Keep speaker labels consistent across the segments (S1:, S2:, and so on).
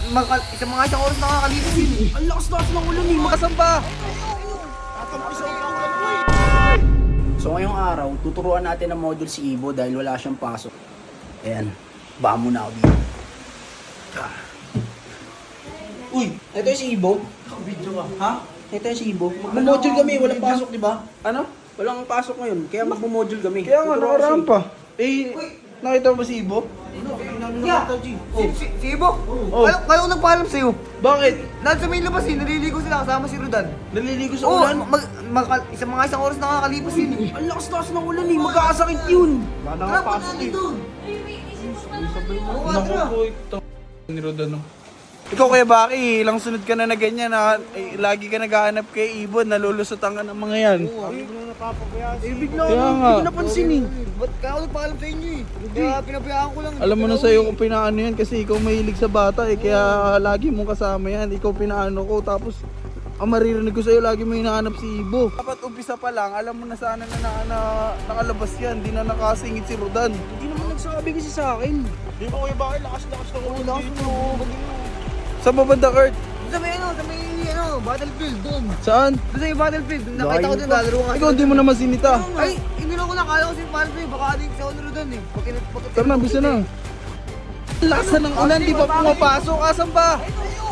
S1: isang oras nakakalipas yun eh.
S2: Ang lakas-lakas ng ulan eh, makasamba. So ngayong araw, tuturuan natin ng module si Ibo dahil wala siyang pasok. Ayan, baka muna ako dito. Uy, ito yung si Ibo.
S1: Video ka.
S2: Ha? Ito yung si Ibo. Magmo-module kami, walang pasok, di ba?
S3: Ano?
S2: Walang pasok ngayon, kaya magmo-module kami.
S3: Kaya nga,
S2: Tuturuan
S3: nakaraan
S2: si-
S3: pa. Eh, nakita mo ba si Ibo?
S1: Yeah. Si Ibo?
S3: Oh.
S1: Kaya ako nagpaalam sa'yo.
S3: Bakit?
S1: Dahil sa may labas eh, naliligo sila kasama si Rodan.
S3: Naliligo sa
S1: Oo,
S3: ulan?
S1: isang oras nakakalipas yun eh.
S2: Ang lakas-lakas ng ulan eh, magkakasakit yun.
S3: Baka
S1: Tara,
S3: nakapasok
S1: punta
S3: eh.
S1: dito.
S3: Naku po, ito. Ni Rodan, no? Ikaw Kuya Baki, ilang sunod ka na ganyan na lagi ka naghahanap kay Ibon, nalulusutan ka ng mga yan.
S2: Bigla
S3: Kaya
S2: ako,
S3: nga.
S2: hindi ko napansin eh.
S1: Ba't kaya ako nagpaalam sa inyo eh? Kaya pinabayaan ko lang.
S3: Alam mo na sa'yo kung pinaano yan kasi ikaw mahilig sa bata eh, kaya lagi mong kasama yan. Ikaw pinaano ko, tapos ang maririnig ko sa'yo, lagi mo hinahanap si Ibo. Dapat umpisa pa lang, alam mo na sana na nakalabas yan, di na nakasingit si Rodan.
S2: Hindi naman nagsabi kasi sa akin.
S3: Di ba Kuya Baki, lakas-lakas ng ulan dito. Sa babanda, Kurt?
S1: Sa may battlefield doon.
S3: Saan?
S1: Doon sa may battlefield, nakita ko doon, lalaro ka.
S3: Ikaw hindi mo naman sinita.
S1: Ay, hindi na ko nakaya ko si battlefield, baka adik sa honor doon eh.
S3: Tara na, bisa na. Lakas ng ulan, di ba pumapasok? Asan ba?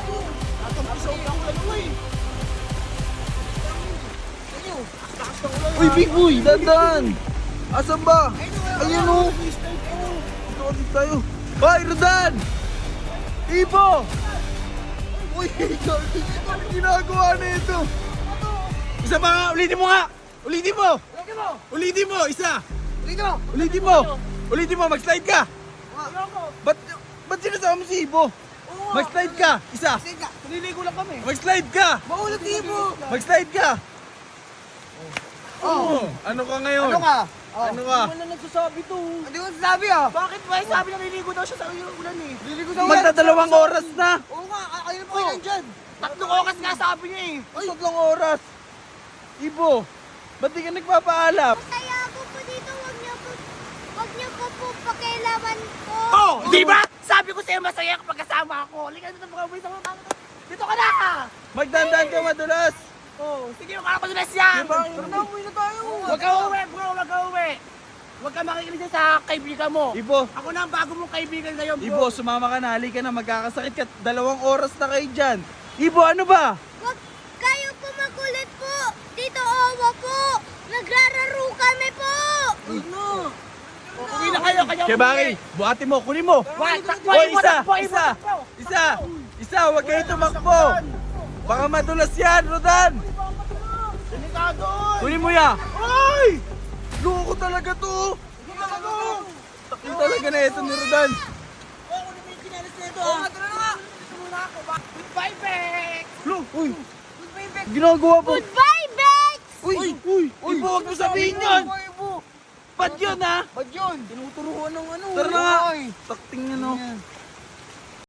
S3: Uy, Big Boy! Dandan! Asan ba? Ayan o! Dito ka dito tayo. Hoy, Rodan! Ibo! Uy, ano ginagawa na ito? Isa pa nga, ulitin mo nga! Ulitin mo! Ulitin mo, isa! Ulitin mo! Ulitin mo, mag-slide ka! Ba't sinasama mo si Ibo? Mag-slide ka! Isa!
S1: Naliligo lang kami.
S3: Mag-slide ka!
S1: Maulat Ibo!
S3: Mag-slide ka! Oh. Ano ka ngayon?
S1: Ano ka?
S3: Ano ka?
S2: Wala nagsasabi to.
S1: Hindi ko sabi ah.
S2: Bakit ba? Sabi na niligo daw siya sa ulan eh.
S1: Naliligo sa ulan.
S3: Magdadalawang oras na!
S1: Oo nga, kayo pa kayo nandyan.
S2: 3 oras nga sabi niya eh.
S3: Ay, 3 oras! Ibo, ba't di ka nagpapaalam?
S4: Kaya ako po dito, wag niyo po po pakialaman po.
S2: Oh, di ba? Sabi ko sa'yo masaya kapag kasama ako. Halika dito mga boys. Dito ka na!
S3: Magdandaan ka madulas!
S2: Oh, sige, makakapadulas yan!
S3: Diba?
S1: Uwi na tayo.
S2: Huwag ka uwi, bro. Huwag ka uwi. Huwag ka makikinig dyan sa kaibigan mo.
S3: Ibo,
S2: Ako na ang bago mong kaibigan ngayon, bro.
S3: Ibo, sumama ka na, halika na, magkakasakit ka. 2 oras na kayo dyan. Ibo, ano ba?
S4: Wag kayo po makulit po. Dito Owa po. Nagrararo kami po.
S2: Uwi na kayo, kanya
S3: Kaya bakit? Buhati mo, kunin mo!
S2: Wait, takbo,
S3: Hoy,
S2: Ibo,
S3: isa!
S2: takbo, Ibo,
S3: Isa!
S2: takbo.
S3: Isa! Isa! Huwag kayo tumakbo! Baka madulas yan, Rodan!
S2: Delikado!
S3: Kunin mo ya! Ay! Loko talaga to! Takin talaga na ito ni Rodan!
S2: Goodbye, Bex!
S3: Lo! Uy! Ginagawa po!
S4: Goodbye, Bex!
S3: Uy! Uy! Uy! Huwag mo sabihin yun! Ba't yun ha?
S1: Ba't yun? Tinuturuan ng ano.
S3: Tara na nga! Sakting yan o.